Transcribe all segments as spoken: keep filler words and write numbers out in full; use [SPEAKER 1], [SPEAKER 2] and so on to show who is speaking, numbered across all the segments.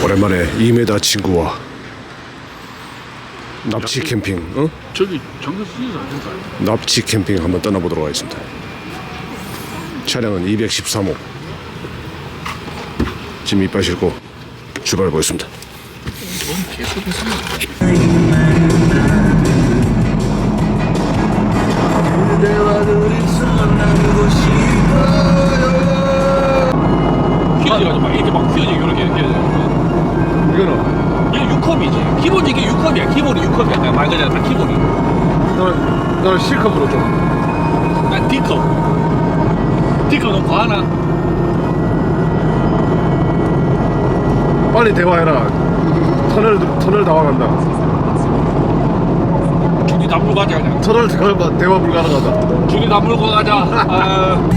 [SPEAKER 1] 오랜만에 이 미터 친구와 납치 캠핑, 어?
[SPEAKER 2] 저기 정선 쓰지도 않을까요?
[SPEAKER 1] 납치 캠핑 한번 떠나보도록 하겠습니다. 차량은 이백십삼 호. 짐 이빨 싣고 출발해 보겠습니다.
[SPEAKER 2] 뭔 개소리였습니다. 휘어져가지고 막 이렇게 막 휘어지게 이렇게 이렇게.
[SPEAKER 1] 이거는
[SPEAKER 2] 이게 육 컵이지. 기본이 이게 육 컵이야. 기본이 육 컵이야. 내가 말 그대로 딱 기본이.
[SPEAKER 1] 너는 너는 C컵으로 좀.
[SPEAKER 2] 난 D컵. D컵 너무 과하나?
[SPEAKER 1] 빨리 대화해라. 터널 터널 다 와간다.
[SPEAKER 2] 줄이 다 물고 가자 그냥.
[SPEAKER 1] 터널 대화 대화 불가능하다.
[SPEAKER 2] 줄이 다 물고 가자. 아.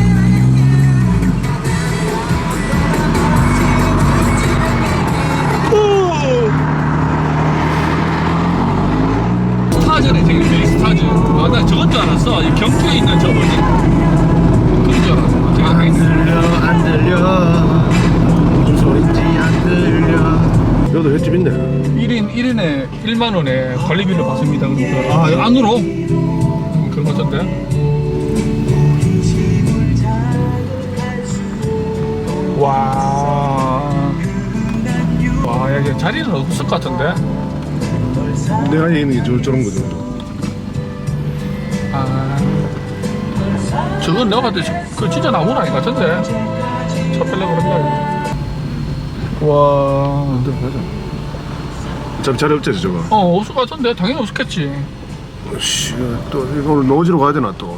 [SPEAKER 2] 스타즈네, 저기 저기 스타즈. 아, 나 저건 줄 알았어. 이 경주에 있는 저 뭐지? 그런 줄 알았어. 제가
[SPEAKER 3] 안 들려 안 들려 무슨 소린지 안 들려.
[SPEAKER 1] 여기도 횟집 있네.
[SPEAKER 2] 일 인 일 인에 일만 원에 관리비를 받습니다. 그러니까 아, 여기 안으로 그런 것 같던데. 와. 와, 여기 자리는 없을 것 같은데.
[SPEAKER 1] 내 안에 있는 게 저, 저런 거죠.
[SPEAKER 2] 아, 저건 내가 봤을 때 그 진짜 나무는 아닌 것 같은데. 차 빼려고 그런다. 와.
[SPEAKER 1] 가자. 어차피 자리 없지 저거.
[SPEAKER 2] 어, 없을 것 같은데. 당연히 없었겠지.
[SPEAKER 1] 씨, 또 이거 오늘 노지로 가야 되나 또.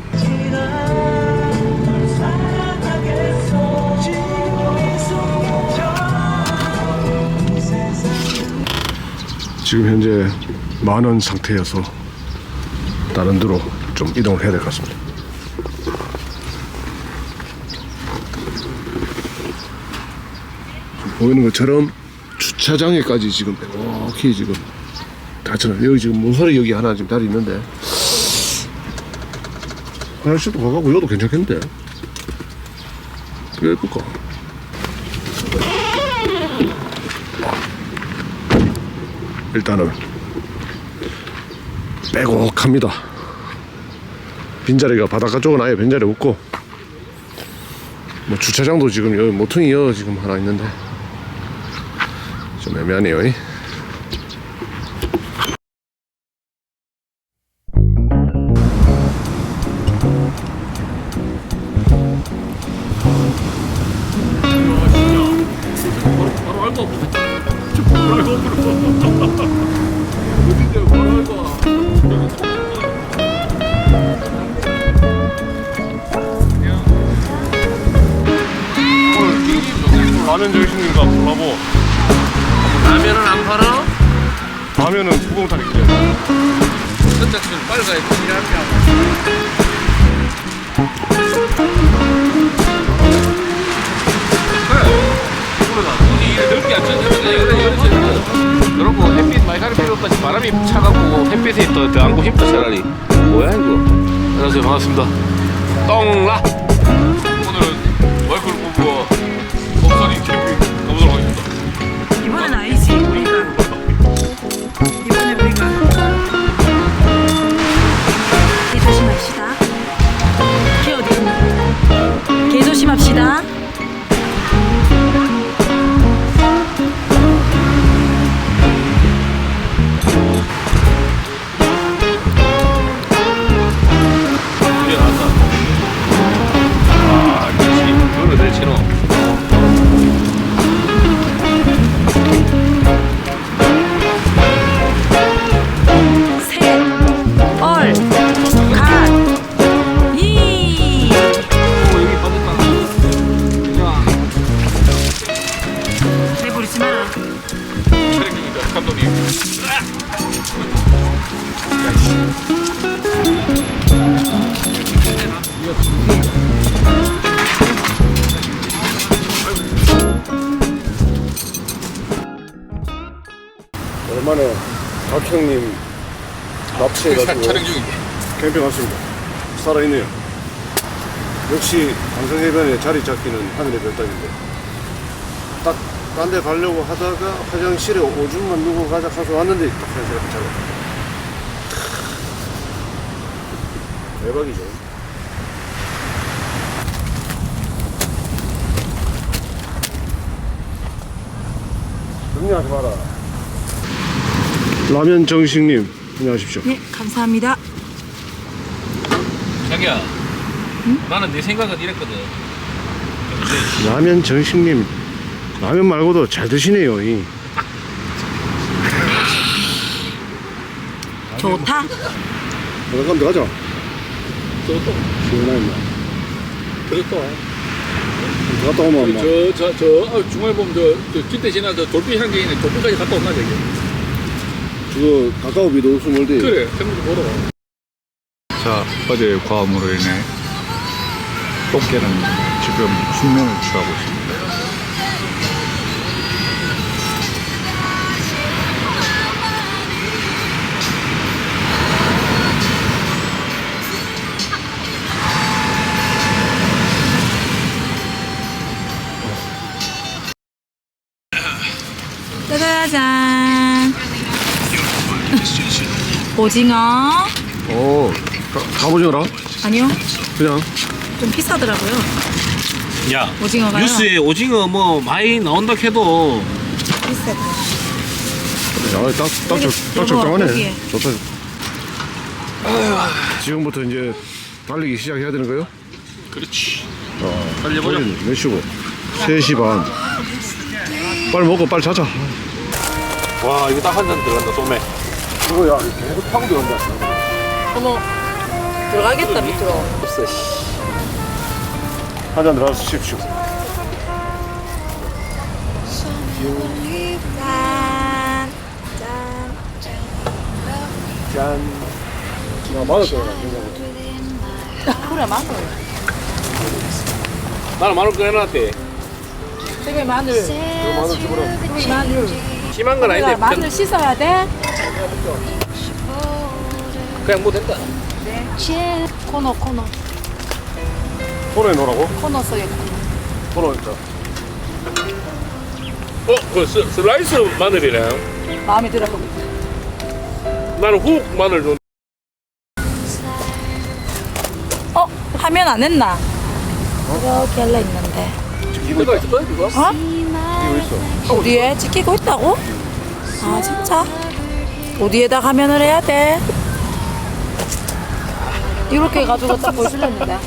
[SPEAKER 1] 지금 현재 만원 상태여서 다른 데로 좀 이동을 해야 될 것 같습니다. 보이는 것처럼 주차장에까지 지금 이렇게 지금 다쳐놨. 여기 지금 모서리 여기 하나 지금 자리 있는데 화장실도 가고 여기도 괜찮겠는데 왜 예쁠까? 일단은 빼곡합니다. 빈자리가 바닷가 쪽은 아예 빈자리 없고 뭐 주차장도 지금 여기 모퉁이 여 지금 하나 있는데 좀 애매하네요.
[SPEAKER 2] 바로 알고 바로 알고 어딘데 바로 알고.
[SPEAKER 1] 라면 저기신가 몰라보.
[SPEAKER 2] 라면은 안 팔아?
[SPEAKER 1] 라면은 구공탄 있대.
[SPEAKER 2] 선착순 빨리 가야 돼. 일하면. 굳이 이래 넓게 안 쳤는데 여러분 햇빛 많이 가릴 필요 없다. 바람이 차가고 햇빛에 더, 더 안고 싶다 차라리. 뭐야 이거. 안녕하세요, 반갑습니다. 똥라. 오늘은 월클 부부와 법사리 캠핑 가보도록 하겠습니다.
[SPEAKER 4] 이번엔 아니지 우리가 이번에 우리가 개 조심합시다. 개 어디 있니? 개 조심합시다.
[SPEAKER 2] 드디어 나왔다. 아, 역시 그거를 내치노.
[SPEAKER 4] 셋, 얼, 갓, 이.
[SPEAKER 2] 오, 여기 빠졌다. 자,
[SPEAKER 4] 내버리지 마라.
[SPEAKER 2] 촬영 중이다, 감독님.
[SPEAKER 1] 오랜만에 박형님 납치해가지고
[SPEAKER 2] 촬영 중인데.
[SPEAKER 1] 캠핑 왔습니다. 살아있네요. 역시 방송해변에 자리 잡기는 하늘의 별따기인데 딱 딴 데 가려고 하다가 화장실에 오줌만 누구 가자 가서 왔는데 딱 화장실에 붙잡아. 대박이죠. 정리하지 마라. 라면 정식님 안녕하십시오.
[SPEAKER 4] 네, 감사합니다.
[SPEAKER 2] 자기야, 나는 내 생각은 이랬거든.
[SPEAKER 1] 라면 정식님 라면 말고도 잘 드시네요. 이.
[SPEAKER 4] 좋다.
[SPEAKER 1] 그럼 가자.
[SPEAKER 2] 저또
[SPEAKER 1] 시원하네.
[SPEAKER 2] 그랬어.
[SPEAKER 1] 갔다 오면 엄마.
[SPEAKER 2] 저저 저 어, 중간에 보면 저, 저 길대 지나 저 돌비 향기 있는 돌비까지 갔다 온나 저기.
[SPEAKER 1] 그거 가까워 비도 없으면 멀대.
[SPEAKER 2] 그래, 생각도 보러.
[SPEAKER 3] 자, 어제 과음으로 인해 똥개는 지금 숙면을 취하고 있습니다.
[SPEAKER 4] 짜자잔. 오징어.
[SPEAKER 1] 오, 갑오징어라?
[SPEAKER 4] 아니요,
[SPEAKER 1] 그냥.
[SPEAKER 4] 좀 비싸더라고요.
[SPEAKER 2] 야,
[SPEAKER 4] 오징어가요?
[SPEAKER 2] 뉴스에 오징어 뭐 많이 나온다 해도
[SPEAKER 4] 비싸.
[SPEAKER 1] 야, 딱, 딱,
[SPEAKER 4] 여기,
[SPEAKER 1] 적- 딱
[SPEAKER 4] 여기,
[SPEAKER 1] 적당하네.
[SPEAKER 4] 여기에.
[SPEAKER 1] 좋다. 지금부터 이제 달리기 시작해야 되는 거요?
[SPEAKER 2] 그렇지.
[SPEAKER 1] 어,
[SPEAKER 2] 달려보자.
[SPEAKER 1] 거의 몇 시고? 세 시 반. 빨리 먹고 빨리 자자.
[SPEAKER 2] 와, 이거 딱 한 잔 들어간다, 소매.
[SPEAKER 1] 이거 야, 계속 타고 들어간다.
[SPEAKER 4] 어머, 들어가겠다 밑으로.
[SPEAKER 2] 없어, 씨.
[SPEAKER 1] 한 잔 들어가서 십시오.
[SPEAKER 4] 짠. 짠.
[SPEAKER 1] 짠. 야, 맞을 거야.
[SPEAKER 4] 그래, 마늘.
[SPEAKER 2] 나는 마늘 꺼내놨대.
[SPEAKER 4] 되게 마늘.
[SPEAKER 1] 이거 마늘 집어라.
[SPEAKER 4] 여기 마늘.
[SPEAKER 2] 심한 건 아닌데,
[SPEAKER 4] 마늘
[SPEAKER 2] 그냥,
[SPEAKER 4] 씻어야 돼.
[SPEAKER 2] 그냥 뭐 된다.
[SPEAKER 4] 코너, 코너.
[SPEAKER 1] 손에 놓으라고?
[SPEAKER 4] 코너 써야 돼.
[SPEAKER 1] 손에 있다.
[SPEAKER 2] 어, 그 스, 슬라이스 마늘이네.
[SPEAKER 4] 마음에 들어.
[SPEAKER 2] 나는 훅 마늘 좀.
[SPEAKER 4] 어? 화면 안 했나? 이렇게 할래 있는데.
[SPEAKER 2] 이거가 있어, 이거?
[SPEAKER 4] 어?
[SPEAKER 1] 이거 있어.
[SPEAKER 4] 어디에? 찍히고 있다고? 아, 진짜? 어디에다 화면을 해야 돼? 이렇게 해가지고 딱 보여주려는데.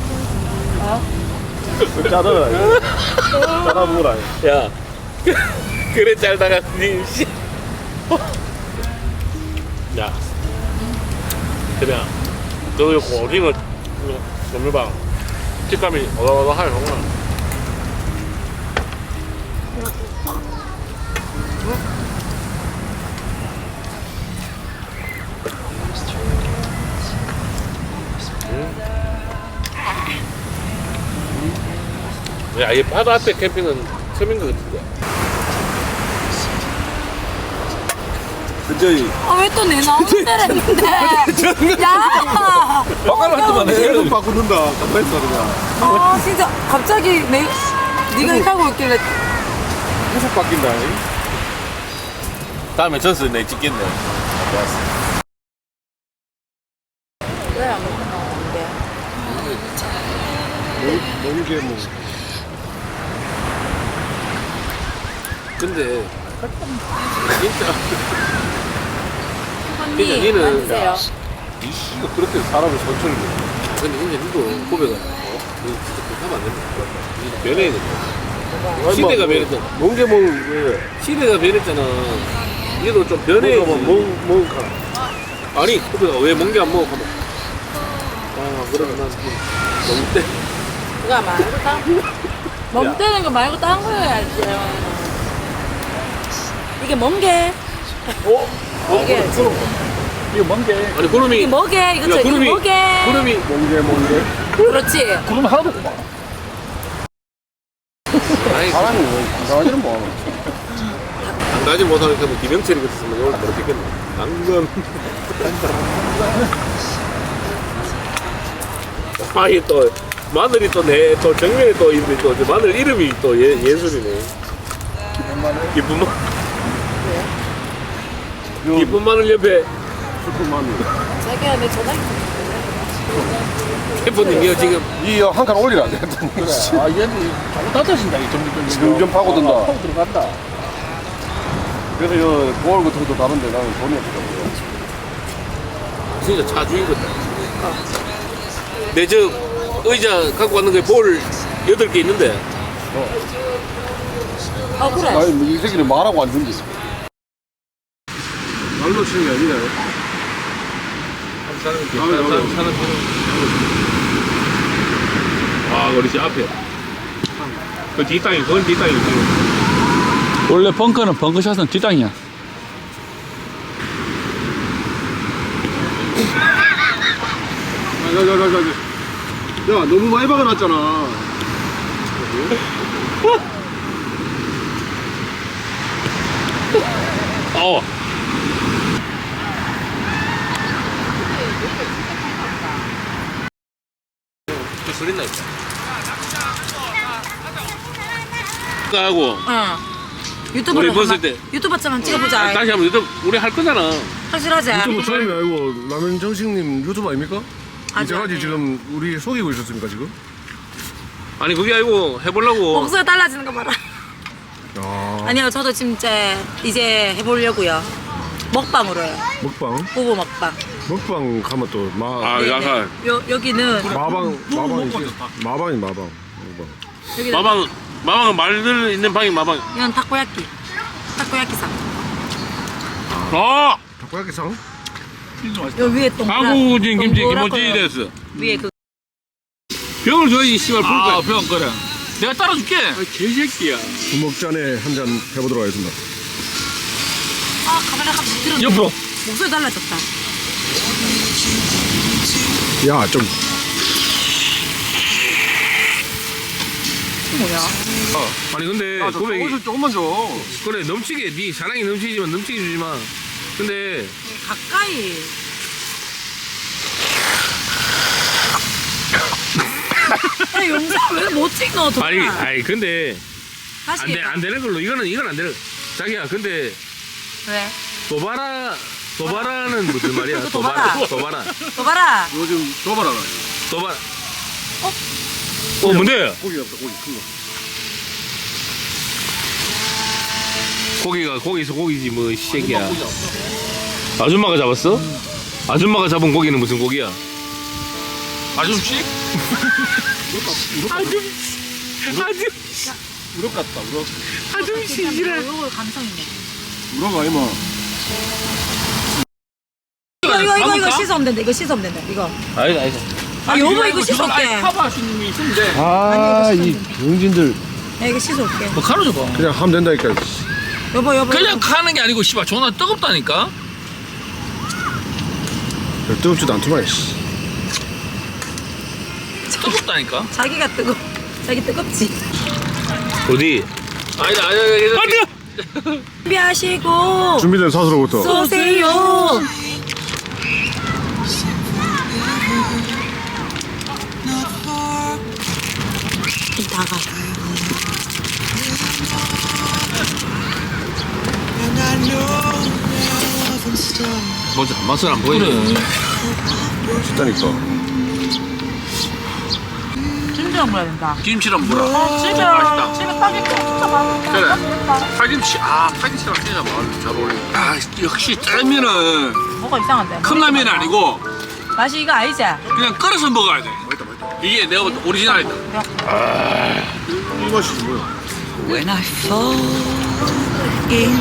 [SPEAKER 1] 짜더라. 짜다 먹어라.
[SPEAKER 2] 야, 그래 잘다가 니 씨. 야, 그냥 너 이거 오징어 넘겨봐. 식감이 어다어다하게 정말. 야, 이 바다 앞에 캠핑은 처음인 것 같은데.
[SPEAKER 1] 근저히.
[SPEAKER 4] 아, 왜 또 내 나오는 데를 했는데? 야!
[SPEAKER 2] 바꿔놨더만
[SPEAKER 1] 계속 바꾸는다. 가만히 있어 그냥.
[SPEAKER 4] 아, 진짜 갑자기 내, 네가 이렇게 하고 있길래.
[SPEAKER 1] 계속 바뀐다.
[SPEAKER 2] 다음에 전수 내 찍겠네.
[SPEAKER 4] 왜 안 나오는데?
[SPEAKER 1] 먹는 게 뭐.
[SPEAKER 2] 근데 진짜
[SPEAKER 4] 언니,
[SPEAKER 2] 그냥 니는-
[SPEAKER 4] 앉으세요.
[SPEAKER 1] 이씨가 그렇게 사람을 천천히 해.
[SPEAKER 2] 근데 이제 니도 고백을 어? 니 진짜 그렇게 하면 안 된다. 니 변해야 된다. 시대가 변했잖아.
[SPEAKER 1] 멍게 먹는 왜?
[SPEAKER 2] 시대가 변했잖아. 니도 좀 변해야지.
[SPEAKER 1] 먹어봐. 먹, 먹을까?
[SPEAKER 2] 아니 고백아 왜 멍게 안 먹어? 하면 아 그러면 난 너무 때.
[SPEAKER 4] 그거 말고 딴, 멍 때는 거 말고 딴 거 해야지. 이게 멍게.
[SPEAKER 2] 어? 어?
[SPEAKER 4] 이게
[SPEAKER 3] 이거 뭔데?
[SPEAKER 2] 아니 구름이
[SPEAKER 4] 이게 뭐게? 이거
[SPEAKER 2] 야,
[SPEAKER 4] 저 이게
[SPEAKER 2] 구름이
[SPEAKER 4] 뭐게?
[SPEAKER 2] 구름이
[SPEAKER 1] 멍게 멍게.
[SPEAKER 4] 그렇지.
[SPEAKER 3] 구름 하나도 없구만.
[SPEAKER 2] 아니
[SPEAKER 1] 사람이 뭐 이상하지는 뭐.
[SPEAKER 2] 안 가지 못하는 게 뭐 김영철이 같았으면 오늘 모르겠겠네. 당근. 아이 또 마늘이 또 내 또 정면에 또 있는데 또 마늘 이름이 또 예, 예술이네. 기쁜 마 기쁜 마늘 옆에
[SPEAKER 1] 슬픈 마음이.
[SPEAKER 4] 자기야 내 전화
[SPEAKER 2] 셰프님이요 지금
[SPEAKER 1] 이한 칸 올리라 안 돼.
[SPEAKER 2] 아 얘는 잘못 닫아진다 이 점점
[SPEAKER 1] 점점 파고든다.
[SPEAKER 2] 파고 들어간다.
[SPEAKER 1] 그래서 이 보월 같은 것도 다른데 나는 돈이 없더라고요.
[SPEAKER 2] 진짜 차 주인거다. 내 저 의자 갖고 왔는 거에 볼 여덟 개 있는데
[SPEAKER 4] 아 그래
[SPEAKER 1] 아니 이 새끼는 말하고 안 준대. 말로 치는 게 아니네.
[SPEAKER 2] 사는 게 사는 사는 아 우리 집 앞에 그 뒷땅이 그건 뒷땅이
[SPEAKER 3] 원래 벙커는 벙커샷은 뒷땅이야.
[SPEAKER 1] 야야야야야. 야 너무 많이 박아놨잖아.
[SPEAKER 2] 어 그 소리 나 있다. 하고
[SPEAKER 4] 응 유튜브로
[SPEAKER 2] 우리 벗을
[SPEAKER 4] 한번-
[SPEAKER 2] 때.
[SPEAKER 4] 유튜브처럼 찍어보자
[SPEAKER 2] 아, 다시 한번 유튜브 우리 할 거잖아.
[SPEAKER 4] 확실하지?
[SPEAKER 1] 유튜브 처음이 아니고 라면 정식님 유튜브 아닙니까?
[SPEAKER 4] 아직
[SPEAKER 1] 이제까지
[SPEAKER 4] 아니에요.
[SPEAKER 1] 지금 우리 속이고 있었습니까 지금?
[SPEAKER 2] 아니 그게 아니고 해보려고.
[SPEAKER 4] 목소리 달라지는 거 봐라
[SPEAKER 1] 아
[SPEAKER 4] 아니요 저도 진짜 이제 해보려고요 먹방으로 해요
[SPEAKER 1] 먹방
[SPEAKER 4] 부부 먹방
[SPEAKER 1] 먹방 가면 또 마
[SPEAKER 2] 아
[SPEAKER 4] 네,
[SPEAKER 2] 약간
[SPEAKER 4] 네. 요, 여기는
[SPEAKER 1] 마방 마방이지 마방이 마방 마방.
[SPEAKER 4] 여기는
[SPEAKER 2] 마방 마방은 말들 있는 방이 마방.
[SPEAKER 4] 이건 타코야끼 타코야끼상
[SPEAKER 2] 어
[SPEAKER 1] 타코야끼상?
[SPEAKER 4] 요 위에 동그란
[SPEAKER 2] 한국인 김치
[SPEAKER 4] 동그랗고
[SPEAKER 2] 김치 됐어.
[SPEAKER 4] 위에 그
[SPEAKER 2] 병을 줘야지 씨발 불 거야.
[SPEAKER 3] 병 그래. 내가 따라줄게.
[SPEAKER 2] 아, 개새끼야.
[SPEAKER 1] 주먹 잔에 한 잔 해보도록 하겠습니다.
[SPEAKER 4] 아 카메라 갑자기 들었네
[SPEAKER 3] 옆으로.
[SPEAKER 4] 목소리 달라졌다
[SPEAKER 1] 야 좀
[SPEAKER 4] 뭐야
[SPEAKER 2] 아니 근데
[SPEAKER 1] 아, 저
[SPEAKER 2] 고백이
[SPEAKER 1] 조금만- 조금만 줘.
[SPEAKER 2] 그래 넘치게 네 사랑이 넘치지만 넘치게 주지 마. 근데
[SPEAKER 4] 가까이 야 영상 왜 못 찍어 정말
[SPEAKER 2] 아니 아니 근데
[SPEAKER 4] 다시
[SPEAKER 2] 안돼 안 되는 걸로 이거는 이건 안 되는. 자기야 근데
[SPEAKER 4] 왜?
[SPEAKER 2] 도바라 도바라는 무슨 말이야?
[SPEAKER 4] 또 도바라.
[SPEAKER 2] 도바라 도바라
[SPEAKER 4] 너 봐라
[SPEAKER 1] 요즘 줘봐라.
[SPEAKER 2] 도바라. 어? 어 뭔데?
[SPEAKER 1] 고기 없다 고기 큰 거.
[SPEAKER 2] 고기가 고기서 고기지 뭐 이 새끼야. 아줌마가 잡았어? 아줌마가 잡은 고기는 무슨 고기야?
[SPEAKER 3] 아줌씨?
[SPEAKER 2] 아줌 아줌
[SPEAKER 1] 우럭 같다 우럭.
[SPEAKER 2] 아줌씨지라.
[SPEAKER 4] 요거 감성 있네
[SPEAKER 1] 우럭 아니마.
[SPEAKER 4] 이거 이거 이거 이거
[SPEAKER 3] 감을까?
[SPEAKER 4] 씻으면 된다 이거 씻으면 된다 이거
[SPEAKER 2] 아니다 아니다.
[SPEAKER 4] 아 여보 이거 씻어올게
[SPEAKER 3] 커버하시는 분이 있으면 돼.
[SPEAKER 1] 아이 병진들
[SPEAKER 4] 야 이거 씻어올게
[SPEAKER 3] 뭐 가르쳐 봐.
[SPEAKER 1] 그냥 하면 된다니까.
[SPEAKER 4] 여보 여보
[SPEAKER 3] 그냥
[SPEAKER 4] 여보.
[SPEAKER 3] 가는 게 아니고 씨발 존나 뜨겁다니까.
[SPEAKER 1] 뜨겁지도 않더만. 씨.
[SPEAKER 3] 뜨겁다니까.
[SPEAKER 4] 자기가 뜨거 자기 뜨겁지
[SPEAKER 2] 어디? 아니다 아니다 아니다.
[SPEAKER 4] 준비하시고
[SPEAKER 1] 준비된 사수로부터.
[SPEAKER 4] 쏘세요 좀 다가
[SPEAKER 2] 먼저 맛을 안 보이네.
[SPEAKER 1] 진짜니까.
[SPEAKER 4] 진짜 먹어야 된다
[SPEAKER 3] 김치랑 물어.
[SPEAKER 4] 집에
[SPEAKER 3] 맛있다.
[SPEAKER 4] 집에 파김치 진짜 맛있다
[SPEAKER 3] 그래. 파김치. 아 파김치랑 진짜 말- 잘 어울려. 아 역시 짜면은
[SPEAKER 4] 뭐가 이상한데
[SPEAKER 3] 컵라면이 아니고
[SPEAKER 4] 맛이 이거 아니지?
[SPEAKER 3] 그냥 끓여서 먹어야 돼. 이게 내가 볼 때 오리지널이다.
[SPEAKER 1] 이 맛이 뭐야?
[SPEAKER 5] When I fall in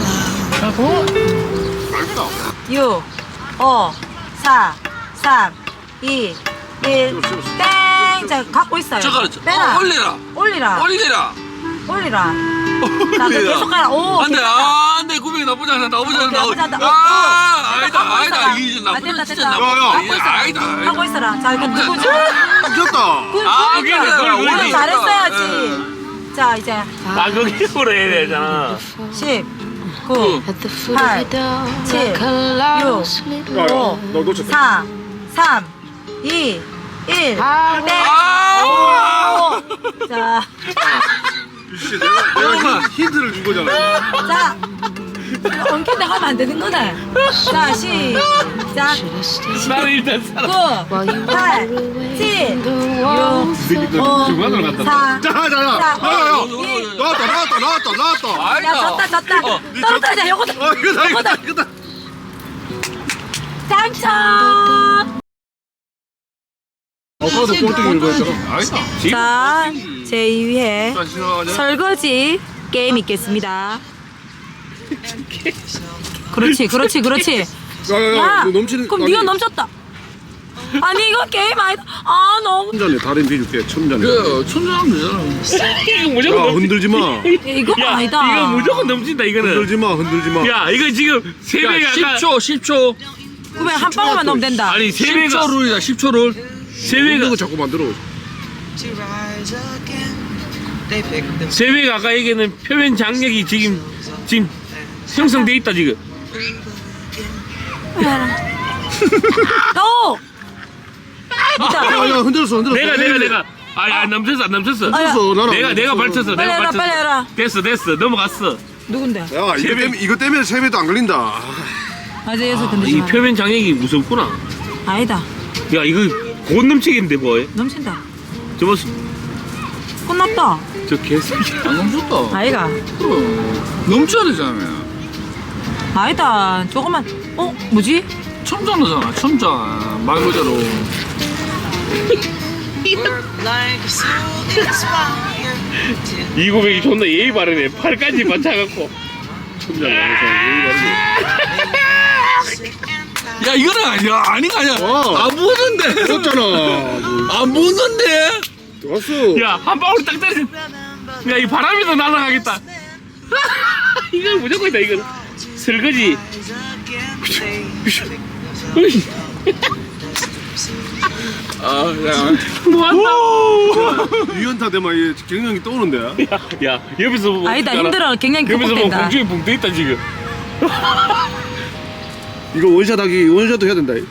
[SPEAKER 1] 맛있다.
[SPEAKER 4] 육, 오, 사, 삼, 이, 일, 땡! 자, 갖고 있어요.
[SPEAKER 3] 저거
[SPEAKER 4] 빼라.
[SPEAKER 3] 어, 올려라.
[SPEAKER 4] 올리라.
[SPEAKER 3] 올리라.
[SPEAKER 4] 올리라. 나 너 계속 가라. 오,
[SPEAKER 3] 안돼
[SPEAKER 4] 괜찮다.
[SPEAKER 3] 아, 안돼 구백이 나쁘지 않아 나쁘지 않아
[SPEAKER 4] 나쁘지 않다.
[SPEAKER 3] 나쁘지
[SPEAKER 4] 어,
[SPEAKER 3] 아
[SPEAKER 4] 어.
[SPEAKER 3] 아니다
[SPEAKER 4] 갖고
[SPEAKER 3] 아니다
[SPEAKER 4] 있어라.
[SPEAKER 3] 이제
[SPEAKER 4] 아,
[SPEAKER 3] 나쁘지
[SPEAKER 4] 됐다,
[SPEAKER 3] 진짜
[SPEAKER 4] 됐다.
[SPEAKER 3] 나쁘지
[SPEAKER 4] 갖고 있어라.
[SPEAKER 3] 아니다
[SPEAKER 4] 하고 있어라. 자, 이거 누구지?
[SPEAKER 1] 미쳤다.
[SPEAKER 4] 그,
[SPEAKER 3] 아,
[SPEAKER 4] 그러니까.
[SPEAKER 3] 그래, 그래,
[SPEAKER 4] 오늘
[SPEAKER 3] 올리.
[SPEAKER 4] 잘했어야지. 자, 이제
[SPEAKER 2] 아 그게 뭐라 해야 되잖아.
[SPEAKER 4] 십, 구,
[SPEAKER 5] at the foot
[SPEAKER 4] 팔,
[SPEAKER 5] of the door
[SPEAKER 4] 칠,
[SPEAKER 5] like a lost
[SPEAKER 4] 육,
[SPEAKER 5] little
[SPEAKER 1] 야,
[SPEAKER 4] 오,
[SPEAKER 1] 너 놓쳤다.
[SPEAKER 4] 사, 삼, 이, 일, 땡!
[SPEAKER 3] 아
[SPEAKER 4] 오! 자,
[SPEAKER 1] 씨, 내가 내가 힌- 힌트를 준 거잖아.
[SPEAKER 4] 자, 엉킨다 하면 안 되는 거네. 자, 시작.
[SPEAKER 2] 나는 일단 살아.
[SPEAKER 4] 구, 팔, 칠, 육, 오,
[SPEAKER 2] 중간으로 갔다.
[SPEAKER 4] 사.
[SPEAKER 1] 자, 자, 자. 야야야. 나왔다, 나왔다, 나왔다, 나왔다.
[SPEAKER 4] 야, 졌다, 졌다. 떨어뜨리자, 요거다.
[SPEAKER 1] 어, 이거다, 이거다, 이거다.
[SPEAKER 4] 당첨!
[SPEAKER 1] 아까도 꼴등이 이거 했잖아.
[SPEAKER 2] 아니다.
[SPEAKER 4] 자, 제이 회 설거지 게임 있겠습니다. 그렇지, 그렇지, 그렇지.
[SPEAKER 1] 야야야,
[SPEAKER 4] 야,
[SPEAKER 1] 너 넘치는.
[SPEAKER 4] 그럼
[SPEAKER 1] 아니,
[SPEAKER 4] 네가 넘쳤다. 아니 이거 게임 아니다. 아 너무
[SPEAKER 1] 천잔에 다른 비줄게. 천잔에.
[SPEAKER 3] 그 천천하면 되잖아.
[SPEAKER 2] 이거
[SPEAKER 1] 야,
[SPEAKER 2] 무조건
[SPEAKER 1] 흔들지 마.
[SPEAKER 4] 이거
[SPEAKER 2] 야,
[SPEAKER 4] 아니다.
[SPEAKER 2] 이거 무조건 넘친다 이거는.
[SPEAKER 1] 흔들지 마, 흔들지 마.
[SPEAKER 2] 야, 이거 지금 세
[SPEAKER 3] 야,
[SPEAKER 2] 배가 아까
[SPEAKER 3] 십 초 십 초
[SPEAKER 4] 그러면 한 방울만 넣으면 된다.
[SPEAKER 2] 아니 세
[SPEAKER 3] 십
[SPEAKER 2] 배가
[SPEAKER 3] 초 룰이다 십 초 룰.
[SPEAKER 2] 세
[SPEAKER 1] 이거
[SPEAKER 2] 배가
[SPEAKER 1] 자꾸 만들어.
[SPEAKER 2] 세 배가 아까 얘기는 표면 장력이 지금 지금 형성돼 있다 지금.
[SPEAKER 4] 오.
[SPEAKER 1] 야, 야, 흔들었어, 흔들었어.
[SPEAKER 2] 내가 내가 내가 아니 안 넘쳤어 안 넘쳤어.
[SPEAKER 1] 흔들었어, 나는.
[SPEAKER 2] 내가 내가 발쳤어
[SPEAKER 4] 빨리
[SPEAKER 2] 내가
[SPEAKER 4] 해라,
[SPEAKER 2] 발쳤어.
[SPEAKER 4] 빨리 해라.
[SPEAKER 2] 됐어 됐어 넘어갔어.
[SPEAKER 4] 누군데?
[SPEAKER 1] 야, 이거
[SPEAKER 2] 세 배.
[SPEAKER 1] 때문에 이거 때문에 세 배도 안 걸린다.
[SPEAKER 4] 아직 여기서 근데
[SPEAKER 2] 이 표면 장력이 무섭구나.
[SPEAKER 4] 아니다.
[SPEAKER 2] 야 이거 곧 넘치겠는데 뭐해?
[SPEAKER 4] 넘친다.
[SPEAKER 2] 저 모습
[SPEAKER 4] 끝났다.
[SPEAKER 2] 저 개새끼.
[SPEAKER 3] 안 넘쳤다.
[SPEAKER 4] 아이가.
[SPEAKER 3] 그럼 넘쳐야 되잖아.
[SPEAKER 4] 아니다. 조금만. 어 뭐지?
[SPEAKER 3] 천장이잖아 천장 말 그대로.
[SPEAKER 2] 이구백이 존나 예의 바르네. 팔까지 맞춰갖고. 천장 예의 바르네.
[SPEAKER 3] 야 이거는 아니야 아닌 거 아니야.
[SPEAKER 1] 와.
[SPEAKER 3] 안 보는데.
[SPEAKER 1] 들었잖아.
[SPEAKER 3] 안 보는데.
[SPEAKER 1] 들었어.
[SPEAKER 2] 야, 한 방울 딱 때려. 야, 이 바람에도 날아가겠다. 이거 무조건이다, 이거. 설거지.
[SPEAKER 3] 아, 야.
[SPEAKER 2] 뭐한다.
[SPEAKER 1] 유연타 되면 이 경영이 떠오는데.
[SPEAKER 2] 야, 야, 옆에서 보면.
[SPEAKER 4] 아니다
[SPEAKER 2] 어떡하나?
[SPEAKER 4] 힘들어. 굉장히
[SPEAKER 2] 옆에서 보면
[SPEAKER 4] 극복된다.
[SPEAKER 2] 공중에 붕 떠있다, 지금.
[SPEAKER 1] 이거 원샷하기 원샷도 해야 된다.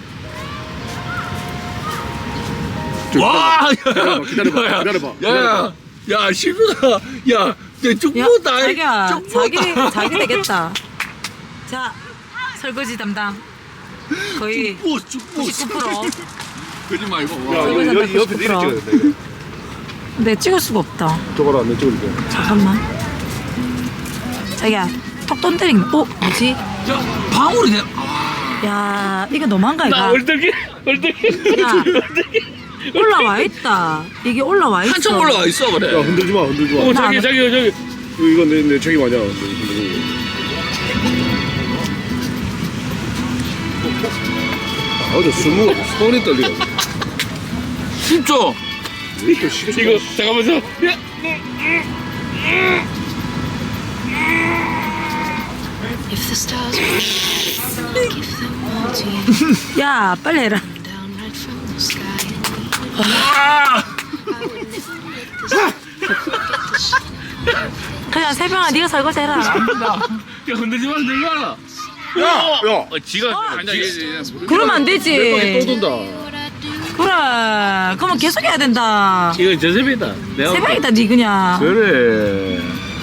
[SPEAKER 1] 좀
[SPEAKER 3] 와,
[SPEAKER 1] 기다려봐, 기다려봐,
[SPEAKER 3] 야,
[SPEAKER 1] 기다려봐.
[SPEAKER 3] 야, 야, 야, 실수다. 야, 내쭉
[SPEAKER 4] 야,
[SPEAKER 3] 부었다.
[SPEAKER 4] 자기야,
[SPEAKER 3] 쭉
[SPEAKER 4] 자기
[SPEAKER 3] 부었다.
[SPEAKER 4] 자기 되겠다. 자, 설거지 담당 거의
[SPEAKER 3] 부어, 쭉 부었어.
[SPEAKER 4] 구십구 퍼센트.
[SPEAKER 3] 그러지 말고.
[SPEAKER 1] 야,
[SPEAKER 3] 와.
[SPEAKER 1] 이거
[SPEAKER 4] 설거지
[SPEAKER 1] 여기 옆에
[SPEAKER 4] 담당
[SPEAKER 1] 이렇게
[SPEAKER 4] 구십구
[SPEAKER 1] 찍어야 된다. 이거.
[SPEAKER 4] 근데 찍을 수가 없다.
[SPEAKER 1] 저거라, 내 찍을게.
[SPEAKER 4] 잠깐만. 자기야, 턱 돈때리기. 어, 뭐지?
[SPEAKER 3] 야, 방울이 돼.
[SPEAKER 4] 야, 이거 너무한가
[SPEAKER 2] 나
[SPEAKER 4] 이거?
[SPEAKER 2] 얼떨기, 얼떨기.
[SPEAKER 4] 야. 올라와 있다. 이게 올라와 있어.
[SPEAKER 3] 한참 올라가 있어 그래.
[SPEAKER 1] 야, 흔들지 마, 흔들지 마.
[SPEAKER 2] 어, 저기, 저기, 저기.
[SPEAKER 1] 이거 내, 내 책임 아니야. 아, 어제 스무 손이 떨리네.
[SPEAKER 3] 십 초.
[SPEAKER 1] 이거 쉽지.
[SPEAKER 2] 이거, 잠깐만, 저. 야,
[SPEAKER 5] If the stars were give them all to you
[SPEAKER 4] 야, 빨리 해라.
[SPEAKER 5] down right from the sky.
[SPEAKER 2] 아!
[SPEAKER 4] 그냥 새벽아, 네가 설거지 해라.
[SPEAKER 2] 야, 흔들지 마, 흔들지 마라.
[SPEAKER 1] 야, 야.
[SPEAKER 2] 어, 지가.
[SPEAKER 3] 아니야, 얘, 얘, 얘.
[SPEAKER 4] 그러면 안
[SPEAKER 1] 내 방에 또
[SPEAKER 4] 되지.
[SPEAKER 1] 돈다.
[SPEAKER 4] 그래. 그러면 계속 해야 된다.
[SPEAKER 2] 이건 저 세배다. 내가.
[SPEAKER 4] 새벽이다, 니 그냥.
[SPEAKER 2] 그래.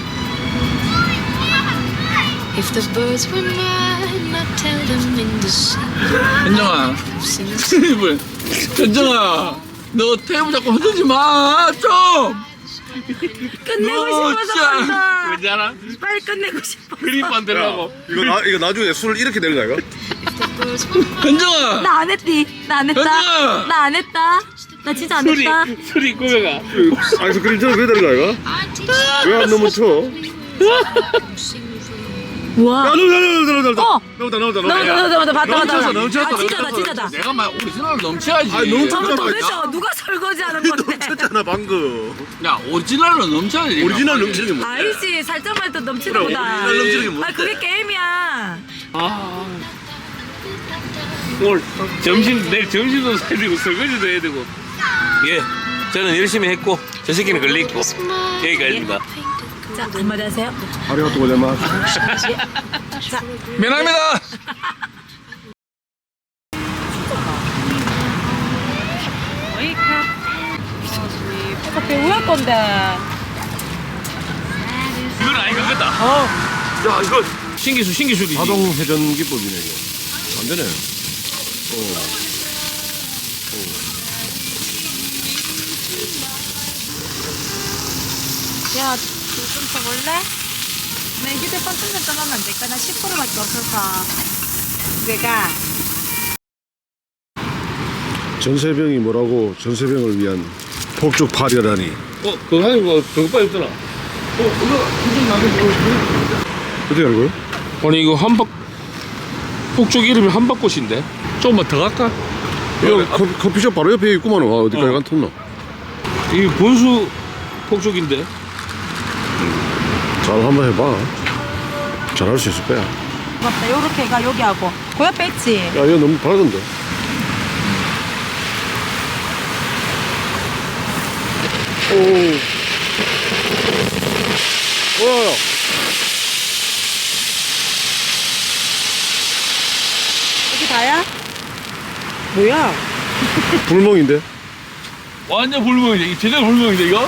[SPEAKER 5] If the birds were mine, I'd tell them in the sea.
[SPEAKER 3] 현정아.
[SPEAKER 5] Sing
[SPEAKER 3] 테이블. 현정아. 너 테이블 자꾸 흔들지 마. 좀.
[SPEAKER 4] 끝내고
[SPEAKER 3] 너
[SPEAKER 4] 싶어서
[SPEAKER 3] 진짜.
[SPEAKER 4] 한다.
[SPEAKER 2] 왠지 알아?
[SPEAKER 4] 빨리 끝내고 싶어.
[SPEAKER 2] 그림 만들라고.
[SPEAKER 1] 이거 나 이거 나중에 술 이렇게 내는 거야, 이거?
[SPEAKER 5] if the birds were mine.
[SPEAKER 3] 현정아.
[SPEAKER 4] 나 안 했디. 나 안 했다.
[SPEAKER 3] 현정아.
[SPEAKER 4] 나 안 했다. 나 진짜 안
[SPEAKER 2] 소리,
[SPEAKER 4] 했다.
[SPEAKER 2] 소리 꾸며가.
[SPEAKER 1] 아이스크림처럼 왜 되는 거야, 이거?
[SPEAKER 5] I'd teach
[SPEAKER 1] 왜 안 넘어쳐?
[SPEAKER 5] sing
[SPEAKER 4] 우와.
[SPEAKER 1] 야, 넘다, 넘다, 넘다,
[SPEAKER 4] 어.
[SPEAKER 1] 넘다, 넘다,
[SPEAKER 4] 넘어, 넘어, 넘어, 봤다, 봤다.
[SPEAKER 1] 넘쳤어, 넘쳤어,
[SPEAKER 4] 아, 진짜다,
[SPEAKER 1] 넘쳤어.
[SPEAKER 4] 진짜다.
[SPEAKER 3] 내가 말 오리지널 넘쳐야지.
[SPEAKER 1] 아니, 넘쳐.
[SPEAKER 4] 저거
[SPEAKER 1] 잠깐만.
[SPEAKER 4] 도대체 누가 설거지하는 건데?
[SPEAKER 1] 넘쳤잖아, 방금.
[SPEAKER 3] 야, 오리지널은 넘쳐야지.
[SPEAKER 1] 오리지널 넘치는 게 뭐야?
[SPEAKER 4] 알지, 살짝만 더 넘치는
[SPEAKER 1] 그래,
[SPEAKER 4] 거다.
[SPEAKER 1] 오리지널 넘치는 게 뭐야?
[SPEAKER 4] 아, 그게 게임이야.
[SPEAKER 2] 아. 오늘 점심, 내일 점심도 사야 되고, 설거지도 해야 되고. 예. 저는 열심히 했고, 저 새끼는 걸리고. 여기까지입니다.
[SPEAKER 4] 자, 한마디 하세요.
[SPEAKER 1] 아리가또 고자마.
[SPEAKER 4] 자,
[SPEAKER 3] 미안합니다.
[SPEAKER 4] 어차피 우할 건데.
[SPEAKER 2] 어? 야 이거 신기술 신기술이지.
[SPEAKER 1] 자동 회전 기법이네 이거. 안 되네. 어.
[SPEAKER 4] 야, 좀 더 볼래? 내 휴대폰 충전 좀 하면 안 될까? 나 십 퍼센트밖에 없어서. 내가
[SPEAKER 1] 전세병이 뭐라고 전세병을 위한 폭죽 발열하니.
[SPEAKER 2] 어 그거 하니까 그거 빨리 없더라. 어 이거 기준 나는
[SPEAKER 1] 어떻게 알고요?
[SPEAKER 2] 아니 이거 한박 폭죽 이름이 한박꽃인데 조금만 더 갈까?
[SPEAKER 1] 이거 커, 커피숍 바로 옆에 있구만. 와 어디까지
[SPEAKER 2] 어.
[SPEAKER 1] 간텄노?
[SPEAKER 2] 이게 본수 폭죽인데.
[SPEAKER 1] 잘 한번 해봐. 잘할 수 있을 거야. 야
[SPEAKER 4] 맞다. 요렇게가 여기 하고 그 옆에 있지?
[SPEAKER 1] 이거 너무 밝은데. 오. 와.
[SPEAKER 4] 여기 다야? 뭐야?
[SPEAKER 1] 불멍인데?
[SPEAKER 2] 완전 불멍이네. 이 제대로 불멍인데 이거?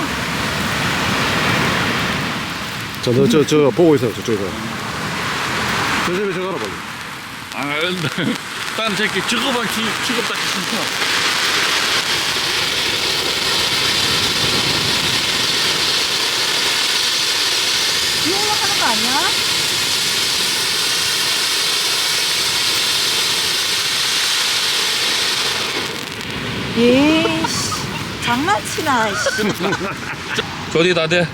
[SPEAKER 1] 자, 너 저 저 보고 있어 저쪽에서. 저 집에 저 가라 빨리.
[SPEAKER 2] 아, 딴 새끼 저거만 취급받기 싫다.
[SPEAKER 4] 비 올라가는 거 아니야? 예씨 장난치나 씨.
[SPEAKER 2] 저리 다 돼.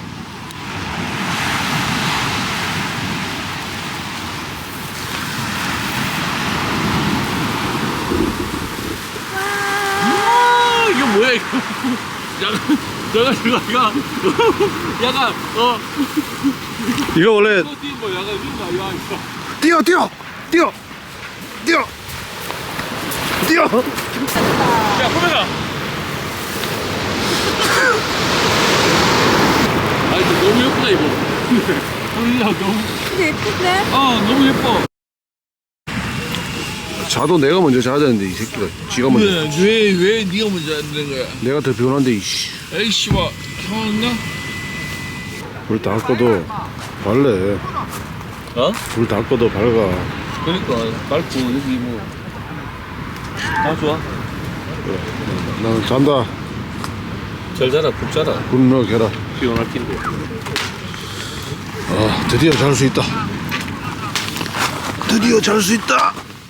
[SPEAKER 2] 아, 이거 뭐야 이거? 야간, 야간, 야간, 야간, 어,
[SPEAKER 1] 이거 원래
[SPEAKER 2] 또 뛰고 야간 뛴다, 야 이거.
[SPEAKER 1] 뛰어 뛰어 뛰어 뛰어 뛰어.
[SPEAKER 2] 야, 호명아. 아, 이거 너무 예쁘다 이거. 야, 너무,
[SPEAKER 4] 근데 예쁜데?
[SPEAKER 2] 아, 너무 예뻐.
[SPEAKER 1] 자도 내가 먼저 자야 되는데 이 새끼가 지가 먼저.
[SPEAKER 2] 왜, 왜 네가 먼저 안 되는 거야?
[SPEAKER 1] 내가 더 피곤한데 이씨.
[SPEAKER 2] 에이씨, 봐, 형나?
[SPEAKER 1] 불 다 꺼도 발래.
[SPEAKER 2] 어?
[SPEAKER 1] 불 다 꺼도 밝아.
[SPEAKER 2] 그러니까 밝고 여기 뭐. 아, 좋아.
[SPEAKER 1] 나는 잔다.
[SPEAKER 2] 잘 자라, 푹 자라.
[SPEAKER 1] 불 넣어라.
[SPEAKER 2] 피곤할 텐데.
[SPEAKER 1] 아 드디어 잘 수 있다. 드디어 잘 수 있다.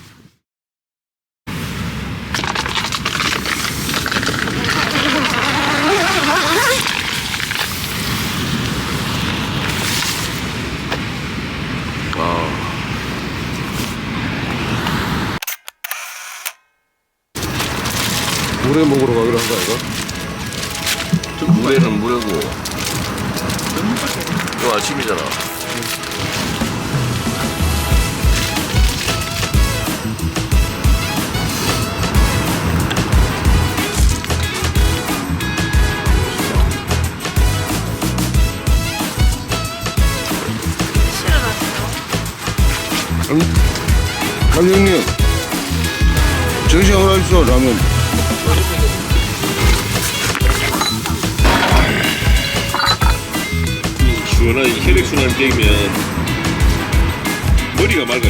[SPEAKER 1] 물에 먹으러 가기로 한 거 아이가?
[SPEAKER 2] 저 물에는 물이고. 이거 아침이잖아.
[SPEAKER 1] 강 형님 정신 하나 있어 라면.
[SPEAKER 2] 시원한 혈액순환 되면 머리가 맑아져.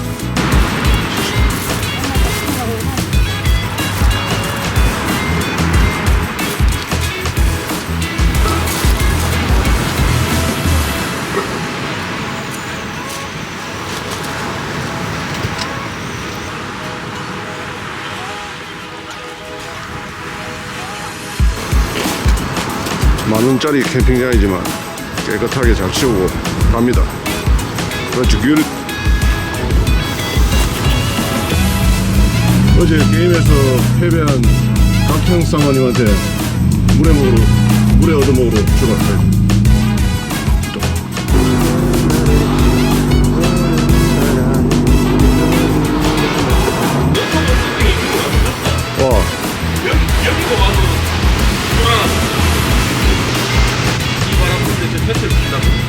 [SPEAKER 1] 만 원짜리 캠핑장이지만 깨끗하게 잘 치우고 갑니다. 그렇지 귤. 어제 게임에서 패배한 각형 쌍마님한테 물에 먹으러 물에 얻어 먹으러 들어갔어요. 와
[SPEAKER 2] 여기도 와서 돌아놨어. 이 바람 불때 저 펜트를 친다고.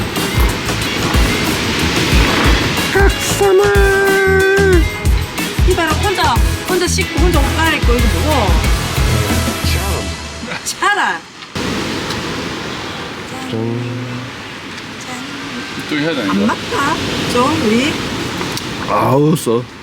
[SPEAKER 1] 각사마
[SPEAKER 4] 거 이거 뭐고? 차라.
[SPEAKER 3] 또 해야 되는
[SPEAKER 4] 안 맞다. 좀 우리
[SPEAKER 1] 아우 써